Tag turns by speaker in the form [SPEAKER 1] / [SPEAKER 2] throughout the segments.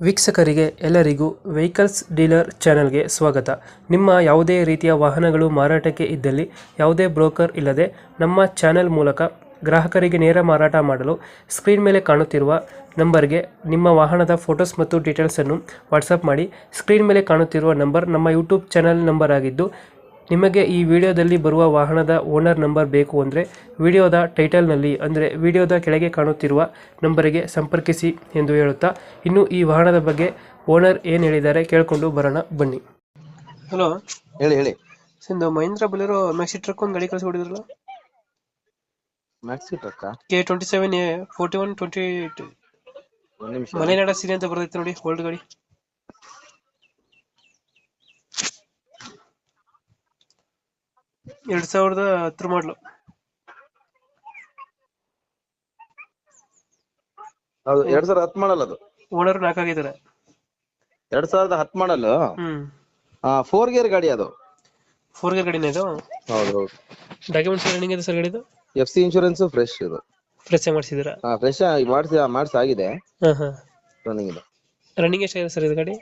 [SPEAKER 1] ವೀಕ್ಷಕರಿಗೆ ಎಲ್ಲರಿಗೂ vehicles dealer ಚಾನೆಲ್ಗೆ ಸ್ವಾಗತ. ನಿಮ್ಮ ಯಾವುದೇ ರೀತಿಯ ವಾಹನಗಳು ಮಾರಾಟಕ್ಕೆ ಇದ್ದಲ್ಲಿ ಯಾವುದೇ ಬ್ರೋಕರ್ ಇಲ್ಲದೆ ನಮ್ಮ ಚಾನೆಲ್ ಮೂಲಕ ಗ್ರಾಹಕರಿಗೆ ನೇರ ಮಾರಾಟ ಮಾಡಲು ಸ್ಕ್ರೀನ್ ಮೇಲೆ ಕಾಣುತ್ತಿರುವ ನಂಬರ್ಗೆ ನಿಮ್ಮ ವಾಹನದ ಫೋಟೋಸ್ ಮತ್ತು ಡೀಟೇಲ್ಸನ್ನು ವಾಟ್ಸಪ್ ಮಾಡಿ. ಸ್ಕ್ರೀನ್ ಮೇಲೆ ಕಾಣುತ್ತಿರುವ ನಂಬರ್ ನಮ್ಮ ಯೂಟ್ಯೂಬ್ ಚಾನೆಲ್ ನಂಬರ್ ಆಗಿದ್ದು, ನಿಮಗೆ ಈ ವಿಡಿಯೋದಲ್ಲಿ ಬರುವ ವಾಹನದ ಓನರ್ ನಂಬರ್ ಬೇಕು ಅಂದರೆ ವಿಡಿಯೋದ ಟೈಟಲ್ನಲ್ಲಿ ಅಂದರೆ ವಿಡಿಯೋದ ಕೆಳಗೆ ಕಾಣುತ್ತಿರುವ ನಂಬರಿಗೆ ಸಂಪರ್ಕಿಸಿ ಎಂದು ಹೇಳುತ್ತಾ, ಇನ್ನು ಈ ವಾಹನದ ಬಗ್ಗೆ ಓನರ್ ಏನು ಹೇಳಿದ್ದಾರೆ ಕೇಳಿಕೊಂಡು ಬರೋಣ ಬನ್ನಿ. ಹಲೋ,
[SPEAKER 2] ಹೇಳಿ ಹೇಳಿ.
[SPEAKER 1] Sindhu Mahindra Bolero Maxi truck ಒಂದು ಗಾಡಿ ಕಳಿಸ್ಕೊಡಿದ್ರಲ್ಲ,
[SPEAKER 2] ಮ್ಯಾಕ್ಸಿ ಟ್ರಕ್
[SPEAKER 1] K27A 4128
[SPEAKER 2] ಒಂದ್ ನಿಮಿಷ.
[SPEAKER 1] ಮಲೆನಾಡ ಸೀರೆ ಅಂತ ಬರ್ತೈತೆ ನೋಡಿ, ಓಲ್ಡ್ ಗಾಡಿ. 2010 ಮಾಡಲು.
[SPEAKER 2] ಹೌದು, 2010 ಮಾಡಲ್. ಅದು
[SPEAKER 1] ಓನರ್ 4 ಆಗಿದ್ದಾರೆ.
[SPEAKER 2] 2010 ಮಾಡಲ್. 4 ಗೇರ್ ಗಾಡಿ ಅದು.
[SPEAKER 1] 4 ಗೇರ್ ಗಾಡಿನ ಇದು?
[SPEAKER 2] ಹೌದು ಹೌದು.
[SPEAKER 1] ಡಾಕ್ಯುಮೆಂಟ್ಸ್ ರನ್ನಿಂಗ್ ಇದೆ ಸರ್ ಗಾಡಿದು?
[SPEAKER 2] FC ಇನ್ಶೂರೆನ್ಸ್ ಫ್ರೆಶ್ ಇದು.
[SPEAKER 1] ಫ್ರೆಶ್ ಮಾಡಿಸಿದ್ದೀರಾ?
[SPEAKER 2] ಫ್ರೆಶ್ ಮಾಡಿಸಿ ಆಗಿದೆ. ರನ್ನಿಂಗ್ ಇದೆ.
[SPEAKER 1] ರನ್ನಿಂಗ್ ಎಷ್ಟಾಗಿದೆ ಸರ್ ಇದು ಗಾಡಿ?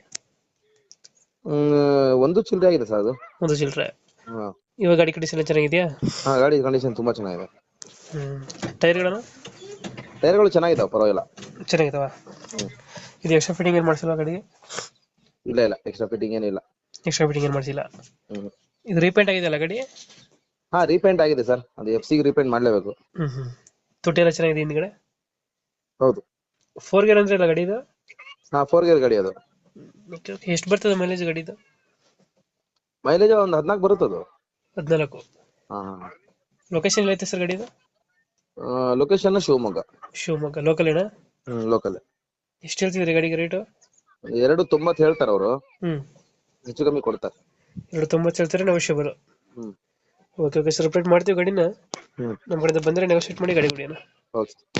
[SPEAKER 2] ಒಂದು ಚಿಲ್ಲರೆ ಆಗಿದೆ ಸರ್ ಅದು.
[SPEAKER 1] ಒಂದು ಚಿಲ್ಲರೆ.
[SPEAKER 2] ಹಾ,
[SPEAKER 1] ಇವಾಗ ಗಾಡಿ ಕಂಡೀಷನ್ ಚೆನ್ನಾಗಿದೆಯಾ?
[SPEAKER 2] ಗಾಡಿ ಕಂಡೀಷನ್ ತುಂಬಾ ಚೆನ್ನಾಗಿದೆ.
[SPEAKER 1] ಟೈರ್ಗಳನ್ನು?
[SPEAKER 2] ಟೈರ್ಗಳು ಚೆನ್ನಾಗಿದಾವೆ, ಪರವಾಗಿಲ್ಲ.
[SPEAKER 1] ಚೆನ್ನಾಗಿದಾವ? ಇದು ಎಕ್ಸ್ಟ್ರಾ ಫಿಟ್ಟಿಂಗ್ ಏನು ಮಾಡಿಸಿಲ್ಲ ಗಾಡಿಗೆ?
[SPEAKER 2] ಇಲ್ಲ ಇಲ್ಲ, ಎಕ್ಸ್ಟ್ರಾ ಫಿಟ್ಟಿಂಗ್ ಏನಿಲ್ಲ.
[SPEAKER 1] ಎಕ್ಸ್ಟ್ರಾ ಫಿಟ್ಟಿಂಗ್ ಏನು ಮಾಡಿಸಿಲ್ಲ. ಇದು ರೀಪೇಂಟ್ ಆಗಿದೆಯಲ್ಲ ಗಾಡಿ?
[SPEAKER 2] ಹಾ, ರೀಪೇಂಟ್ ಆಗಿದೆ ಸರ್. ಅದು FC ಗೆ ರೀಪೇಂಟ್ ಮಾಡ್ಲೇಬೇಕು.
[SPEAKER 1] ತೊಟ್ಟಿ ಎಲ್ಲ ಚೆನ್ನಾಗಿದೆ ಹಿಂದ್ಗಡೆ?
[SPEAKER 2] ಹೌದು.
[SPEAKER 1] 4 ಗೇರ್ ಅಂದ್ರೆ ಇಲ್ಲ ಗಾಡಿ ಇದು?
[SPEAKER 2] 4 ಗೇರ್ ಗಾಡಿ ಅದು.
[SPEAKER 1] ಎಷ್ಟು ಬರ್ತದೆ ಮೈಲೇಜ್ ಗಾಡಿದು?
[SPEAKER 2] ಮೈಲೇಜ್ ಒಂದು 14 ಬರುತ್ತದು.
[SPEAKER 1] 14?
[SPEAKER 2] ಹಾ.
[SPEAKER 1] ಲೊಕೇಶನ್ ಎಲ್ಲೈತೆ ಸರ್ ಗಾಡಿದು?
[SPEAKER 2] ಲೊಕೇಶನ್ ಶಿವಮೊಗ್ಗ.
[SPEAKER 1] ಶಿವಮೊಗ್ಗ ಲೋಕಲ್ ಏನಾ?
[SPEAKER 2] ಲೋಕಲ್.
[SPEAKER 1] ಎಷ್ಟು ಹೇಳ್ತಿದ್ರಿ ಗಾಡಿಗೆ ರೇಟು?
[SPEAKER 2] 290 ಹೇಳ್ತಾರೆ ಅವರು. ಹೆಚ್ಚು ಕಮ್ಮಿ ಕೊಡ್ತಾರೆ.
[SPEAKER 1] 290 ಹೇಳ್ತಾರೆ, negotiable. Okay okay sir, update ಮಾಡ್ತೀವಿ ಗಾಡಿನ. ನಮ್ಮ ಕಡೆಯಿಂದ ಬಂದರೆ ನೆಗೋಷಿಯೇಟ್ ಮಾಡಿ ಗಾಡಿ ಕೊಡಿ ಅಣ್ಣ.
[SPEAKER 2] ಓಕೆ.